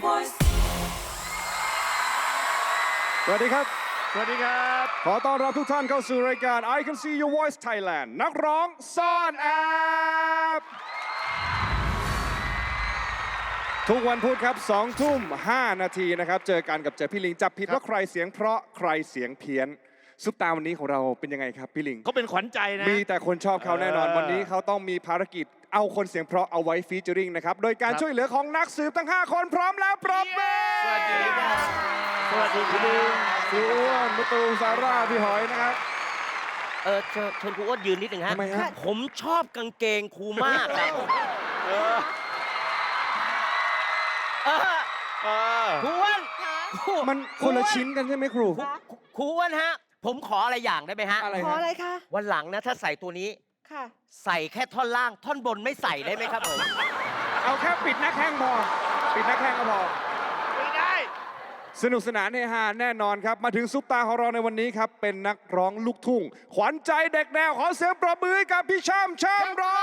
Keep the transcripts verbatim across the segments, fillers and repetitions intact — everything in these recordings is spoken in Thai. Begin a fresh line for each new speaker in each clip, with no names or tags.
voice
สวัสดีครับ
สวัสดีครับ
ขอต้อนรับทุกท่านเข้าสู่รายการ I Can See Your Voice Thailand นักร้องซ่อนแอบทุกวันพุธครับสองทุ่มห้านาทีนะครับเจอกันกับเจอพี่ลิงจับผิดว่าใครเสียงเพราะใครเสียงเพี้ยนซุปตาวันนี้ของเราเป็นยังไงครับพี่ลิง
เขาเป็นขวัญใจนะ
มีแต่คนชอบเขาแน่นอน
เออ
วันนี้เขาต้องมีภารกิจเอาคนเสียงเพราะเอาไว้ฟีเจอริงนะครับโดยการ
ครับ
ช่วยเหลือของนักสืบทั้งห้าคนพร้อมแล้วปรบมือ
สวัสดีครับสวัสดีพี่ลิง
พี่อ้วนมะตูมซาร่าพี่หอยนะครับ
เออเชิญเชิญครูอ้วนยืนนิดหนึ่งฮะ
ทำไมฮะ
ผมชอบกางเกงครูมากครับเออเออ
เออ
ครูอ้วนครู
มันคนละชิ้นกันใช่ไหมครู
ครูครูอ้วนฮะ ผมขออะไรอย่างได้ไหมฮะ
อะไร
ขอ
ฮะ
อะไรคะ
วันหลังนะถ้าใส่ตัวนี้
ค่ะ
ใส่แค่ท่อนล่าง ท่อนบนไม่ใส่ได้ไหมครับผม
เอาแค่ปิดหน้าแข้งพอปิดหน้าแข้งก็พอ
ไม่ได้
สนุกสนานเฮฮาแน่นอนครับ มาถึงซุปตาของเราในวันนี้ครับ เป็นนักร้องลูกทุ่ง ขวัญใจเด็กแนว ขอเสียงปรบมือให้กับพี่ช่ำช่ำร้อง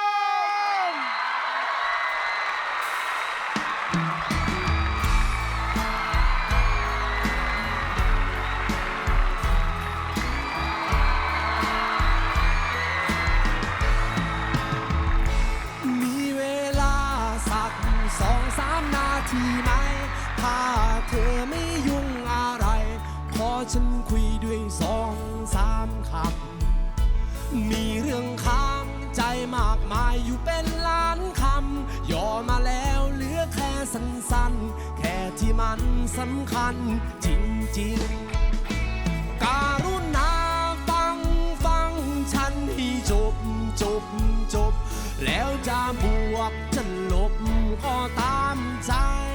มีเวลาสักสองสามนาทีไหม ถ้าเธอไม่ยุ่งอะไร ขอฉันคุยด้วยสองสามคำ มีเรื่องค้างใจมากมายอยู่เป็นล้านคำ ย่อมาแล้วเหลือแค่สั้นๆ แค่ที่มันสำคัญจริงๆ การุณาฟังฟังฉันให้จบจบจบ แล้วจะบวกจะลบก็ตามใจ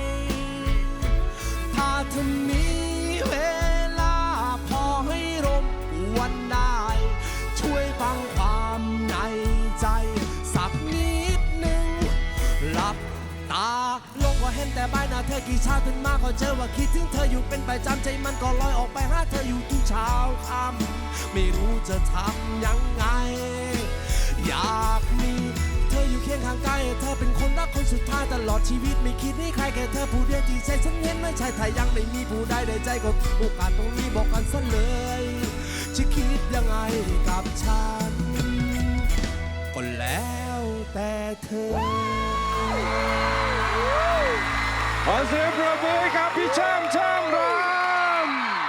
ถ้าเธอมีเวลาพอให้รบกวนได้ ช่วยฟังความในใจ สักนิดหนึ่ง หลับตาลงก็เห็นแต่ใบหน้าเธอกี่เช้าตื่นมาก็เจอว่าคิดถึงเธออยู่เป็นประจำใจมันก็ลอยออกไปหาเธออยู่ทุกเช้าค่ำไม่รู้จะทำยังไง อยากมีเธออยู่เคียงข้างกายเธอเป็นคนรักคนสุดท้ายตลอดชีวิตไม่คิดให้ใครแค่เธอผู้เดียวที่ใจฉันเห็นไม่ใช่ถ้ายังไม่มีผู้ใดในใจก็โอกาสตรงนี้บอกกันซะเลยจะคิดยังไงกับฉันก็แล้วแต่เธอ
ขอเสียงปรบมือให้กับพี่ช่ำช่ำร้อง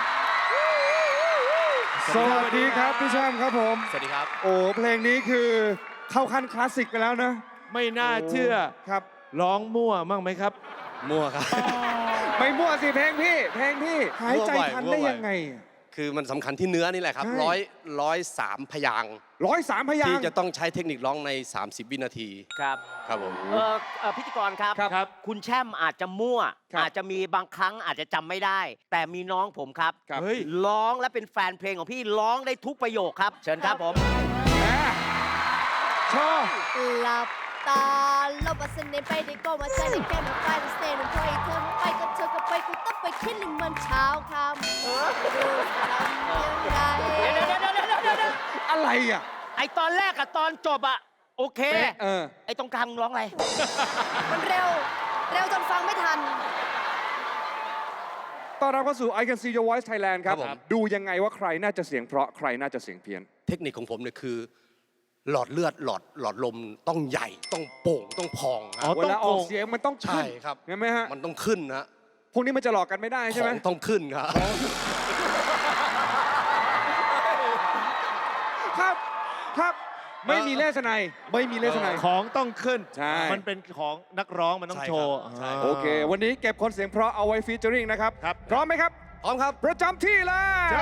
สวัสดีครับพี่ช่ำครับผม
สวัสดีครับ
โอ้เพลงนี้คือเข้าขั้นคลาสสิกไปแล้วนะ
ไม่น่าเชื่อ
ครับ
ร้องมั่วมั่งไหมครับ
มั่วครับ
ไม่มั่วสิเพลงพี่ เพลงพี่ หายใจ
มั่วบ่อย
ทัน
มั่ว
ได้
บ่อย
ยังไง
คือมันสำคัญที่เนื้อนี่แหละครับ
ใช่
ร้อยร้อยสามพยางค์
ร้อยสามพยาง
ที่
ค์
จะต้องใช้เทคนิคร้องใน สามสิบ วินาที
ครับ
ครับผม
เออเอ่อพิธีกรครับ
ครับ
คุณแช่มอาจจะมั่ว
ครับ
อาจจะมีบางครั้งอาจจะจำไม่ได้ แต่มีน้องผมครับ
ครับ
เฮ้ย
ร้องและเป็นแฟนเพลงของพี่ร้องได้ทุกประโยคครับ เชิญครับผม
แหมชอบ
หลับตาลบเสน่ห์ไปได้ก็มาใจได้แค่มาไฟเสน่ห์หนึ่งพออีกเธอไปก็เธอก็ไปกูต้องไปคิดหนึ่งมันเช้าคำรู้จะทำยังไง
เดี๋ยวเดี๋ยวเดี๋ยวเดี๋ยวเดี๋ยวเดี๋ยว
อะไรอ่ะ
ไอตอนแรกกับตอนจบอะโอเค
เป๊ะเออ
ไอตรงกลางมึงร้องอะไร
มันเร็ว เร็วจนฟังไม่ทัน
ต้อนรับเข้าสู่ I Can See Your Voice Thailand ครับ
ครับผม
ดูยังไงว่าใครน่าจะเสียงเพราะใครน่าจะเสียงเพี้ยน
เทคนิคของผมเนี่ยคือ หลอดเลือดหลอดหลอดลมต้องใหญ่ต้องโป่งต้องพองฮะ
อ๋อ
เวลาออกเสียงมันต้อง
ใช่
ขึ้น
ครับ
เห็นไหมฮะ
มันต้องขึ้นนะ
พวกนี้มันจะหลอกกันไม่ได้ใช่
ข
ไหม
องต้องขึ้นครับ
ครับ ครับ ไม่มีเลสไนยไม่มีเลสไนย
ของต้องขึ้น
ใช่
มันเป็นของนักร้องมันต้อง
ใช่
โชว์
ครับใช่
า
โอเค วันนี้เก็บคนเสียงเพราะเอาไว้ฟีเจอริงนะครับ
ครับ
พร้อมไหมครับ
พร้อมครับ
ประจำที่เลย
ใช่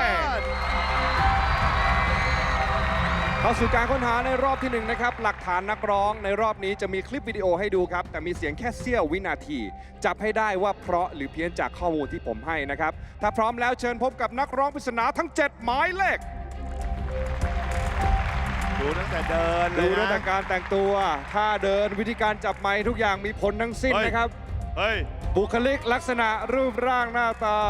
เข้าสู่การค้นหาในรอบที่หนึ่งนะครับ หลักฐานนักร้องในรอบนี้จะมีคลิปวิดีโอให้ดูครับ แต่มีเสียงแค่เสี้ยววินาที จับให้ได้ว่าเพราะหรือเพี้ยนจากข้อมูลที่ผมให้นะครับ ถ้าพร้อมแล้วเชิญพบกับนักร้องปริศนาทั้ง เจ็ด หมายเลข
ดูตั้งแต่เดินเล
ดู
ย
ตั้งแต่
นะ
การแต่งตัวท่าเดินวิธีการจับไมค์ทุกอย่างมีผลทั้งสิ้น
เฮ้ย
นะครับ
เฮ้ย
บุคลิกลักษณะรูปร่างหน้าตา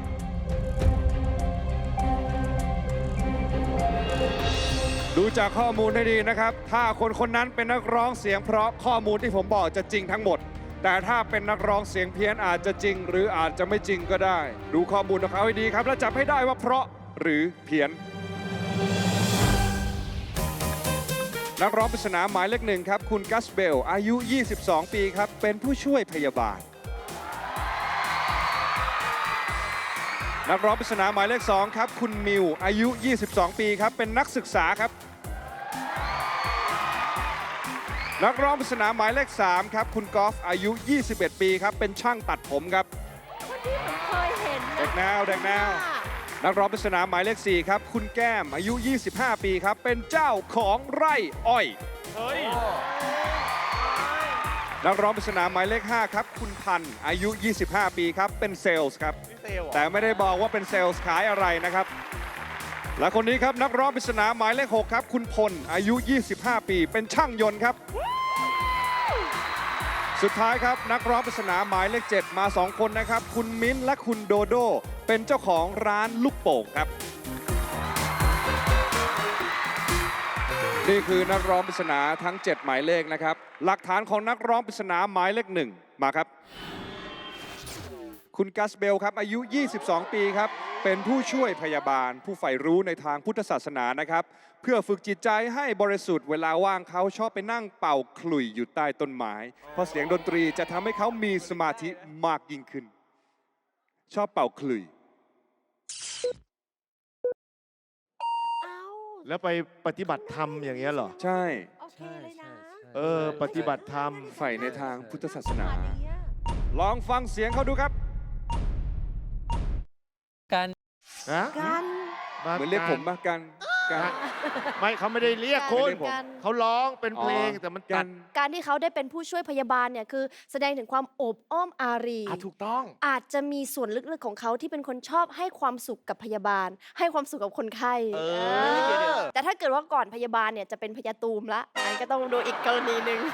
ดูจากข้อมูลให้ดีนะครับ ถ้าคนคนนั้นเป็นนักร้องเสียงเพราะข้อมูลที่ผมบอกจะจริงทั้งหมดแต่ถ้าเป็นนักร้องเสียงเพี้ยนอาจจะจริง หรืออาจจะไม่จริงก็ได้ ดูข้อมูลของเขาให้ดีครับ แล้วจับให้ได้ว่าเพราะหรือเพี้ยน นักร้องปริศนาหมายเลขหนึ่งครับ คุณกัสเบล อายุ ยี่สิบสอง ปีครับ เป็นผู้ช่วยพยาบาล นักร้องปริศนาหมายเลขสองครับ คุณมิว อายุ ยี่สิบสอง ปีครับ เป็นนักศึกษาครับ นักร้องปริศนาหมายเลขสามครับ คุณกอล์ฟ อายุ ยี่สิบเอ็ด ปีครับ เป็นช่างตัดผมครับ
คนที่ผมเคยเห็น
เด็กแนวเด็กแนว นักร้องปริศนาหมายเลขสี่ครับ คุณแก้ม อายุ ยี่สิบห้า ปีครับ เป็นเจ้าของไร่อ้อย
เฮ้ย
นักร้องปริศนาหมายเลขห้าครับ คุณพันธ์ อายุ ยี่สิบห้า ปีครับ เป็นเซลส์ครับ แต่ไม่ได้บอกว่าเป็นเซลส์ขายอะไรนะครับ และคนนี้ครับนักร้องปริศนาหมายเลขหกครับ คุณพล อายุ ยี่สิบห้า ปี เป็นช่างยนต์ครับ สุดท้ายครับนักร้องปริศนาหมายเลขเจ็ดมาสองคนนะครับ คุณมิ้นท์และคุณโดโด เป็นเจ้าของร้านลูกโป่งครับ นี่คือนักร้องปริศนาทั้ง เจ็ด หมายเลขนะครับ หลักฐานของนักร้องปริศนาหมายเลขหนึ่งมาครับ คุณกัสเบลครับ อายุ ยี่สิบสอง ปีครับ เป็นผู้ช่วยพยาบาล ผู้ใฝ่รู้ในทางพุทธศาสนานะครับ เพื่อฝึกจิตใจให้บริสุทธิ์เวลาว่างเขาชอบไปนั่งเป่าขลุ่ยอยู่ใต้ต้นไม้ เพราะเสียงดนตรีจะทำให้เขามีสมาธิมากยิ่งขึ้น ชอบเป่าขลุ่ย
เอ้า
แล้วไปปฏิบัติธรรมอย่างเงี้ยเหรอ
ใช่
โอเคเลยนะ
เออ ปฏิบัติธรรม
ใฝ่ในทางพุทธศาสนา
อันเนี้ย
ลองฟังเสียงเขาดูครับ
ฮะ
กัน
า
เหมือนเรียกผมมากันกัน
ไม่เขาไม่ได้เรียกคุณ
ไม่ได้ผม
เขาร้องเป็นเพลง
อ๋อ
แต่มัน
กั
ตั
น
ด
การที่เขาได้เป็นผู้ช่วยพยาบาลเนี่ยคือแสดงถึงความโอบอ้อมอารี
อ่ะถูกต้อง
อาจจะมีส่วนลึกๆของเขาที่เป็นคนชอบให้ความสุขกับพยาบาล ให้ความสุขกับคนไข้
เออ
เออแต่ถ้าเกิดว่าก่อนพยาบาลเนี่ยจะเป็นพยาตูมละอันนก็ต้องดูอีกกรณีหนึ่ง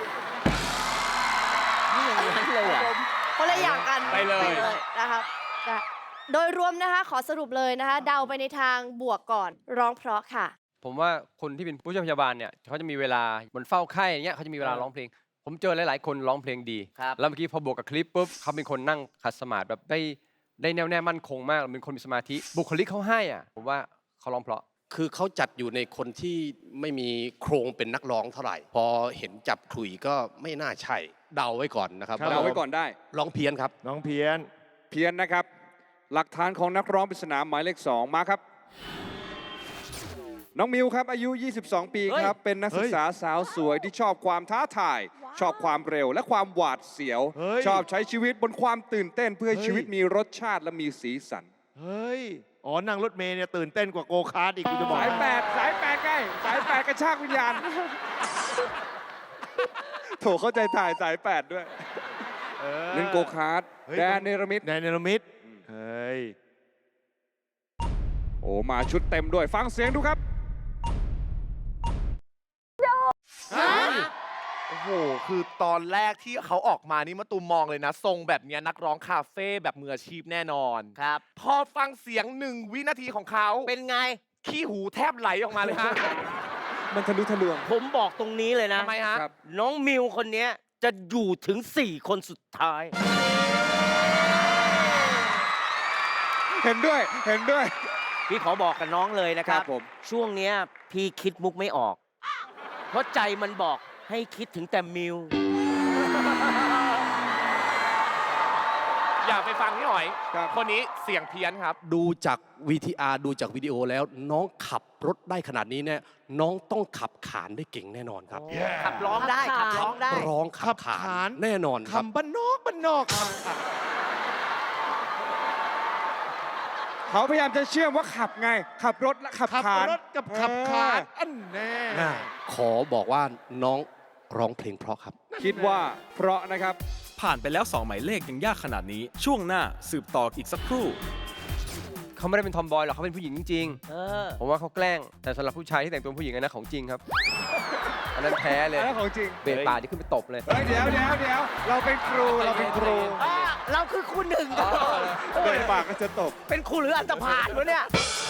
นี่อย่างนั้นเลยเหรอ
คนละอย่างกัน
ไปเลย
นะครับจ้ะโดยรวมนะคะขอสรุปเลยนะคะ เดาไปในทางบวกก่อนร้องเพราะค่ะ
ผมว่าคนที่เป็นผู้ช่วยพยาบาลเนี่ยเขาจะมีเวลาเหมือนเฝ้าไข้อย่างเงี้ยเขาจะมีเวลาร้องเพลง ผมเจอหลาย ๆ คนร้องเพลงดี
ครับ
แล้วเมื่อกี้พอบวกกับคลิปปุ๊บเขาเป็นคนนั่งขัดสมาธิแบบได้ได้แน่วแน่มั่นคงมากเป็นคนมีสมาธิบุคลิกเขาให้อ่ะผมว่าเขาร้องเพราะ
คือเขาจัดอยู่ในคนที่ไม่มีโครงเป็นนักร้องเท่าไหร่ พอเห็นจับขลุ่ยก็ไม่น่าใช่ เดาไว้ก่อนนะครับ
ครับ
เดาไว้ก่อนได้
ร้องเพี้ยนครับ
น้องเพียน
เพี้ยนนะครับ หลักฐานของนักร้องปริศนาหมายเลขสองมาครับ น้องมิวครับ อายุ ยี่สิบสอง ปีครับ เป็นนักศึกษาสาวสวยที่ชอบความท้าทาย ชอบความเร็วและความหวาดเสียว
เฮ้ย
ชอบใช้ชีวิตบนความตื่นเต้นเพื่อให้
เฮ้ย
ชีวิตมีรสชาติและมีสีสัน
เฮ้ย อ๋อ นั่งรถเมล์เนี่ยตื่นเต้นกว่าโกคาร์ดอีกกูจะบอก
สายแปดสายแปดใกล้สายแปดกระชากวิญญาณ โถเข้าใจถ่ายสายแปดด้วย
ออ
เล่นโกคาร์ด
เฮ้ย
แดนเนรมิต
แดนเนรมิตเฮ้ย
โอ้มาชุดเต็มด้วย ฟังเสียงดูครับ
โอ้โห คือตอนแรกที่เขาออกมานี่มาตูมมองเลยนะ ทรงแบบเนี้ยนักร้องคาเฟ่แบบมืออาชีพแน่นอน
ครับ
พอฟังเสียงหนึ่งวินาทีของเขา
เป็นไง
ขี้หูแทบไหลออกมาเลยฮะ
มันทะลุทะลวง
ผมบอกตรงนี้เลยนะ
ทำไมฮะ
ครับ
น้องมิวคนเนี้ยจะอยู่ถึง สี่ คนสุดท้าย
เห็นด้วย เห็นด้วย
พี่ขอบอกกับน้องเลยนะครับ
ครับผม
ช่วงเนี้ยพี่คิดมุกไม่ออก เพราะใจมันบอกให้คิดถึงแต่มิว
อย่าไปฟังพี่หอย
ครับ
คนนี้เสียงเพี้ยนครับ
ดูจาก วี ที อาร์ ดูจากวิดีโอแล้ว น้องขับรถได้ขนาดนี้เนี่ยน้องต้องขับขานได้เก่งแน่นอนครับ
ขับร้องได้ ขับร้องได้
ร้องขับขา
ขับขาน
นแน่นอนครับ
คำบ้านนอกบ้านนอกครับ
เขาพยายามจะเชื่อมว่าขับไง ขับรถและขับ
ขับ
ขาน
รถกับขับขานอันแน่
ขอบอกว่าน้องร้องเพลงเพราะครับ
คิดว่าเพราะนะครับ
ผ่านไปแล้วสองหมายเลขยังยากขนาดนี้ ช่วงหน้าสืบต่ออีกสักครู่
เขาไม่ได้เป็นทอมบอยหรอกเขาเป็นผู้หญิงจริง
เออ
ๆผมว่าเขาแกล้งแต่สำหรับผู้ชายที่แต่งตัวเป็นผู้หญิงอันนั้นของจริงครับ อันนั้นแพ้เลย
อันนั้นของจริง
เบรกป่าที่ขึ้นไปตบเลย
เฮ้ยเดี๋ยวเดี๋ยวเดี๋ยวเราเป็นครู เราเป็นครู
อ่ะเราคือคุณหนึ่ง
เดินปากก็จะตบ
เป็นครูหรืออันตพาลวะเนี่ย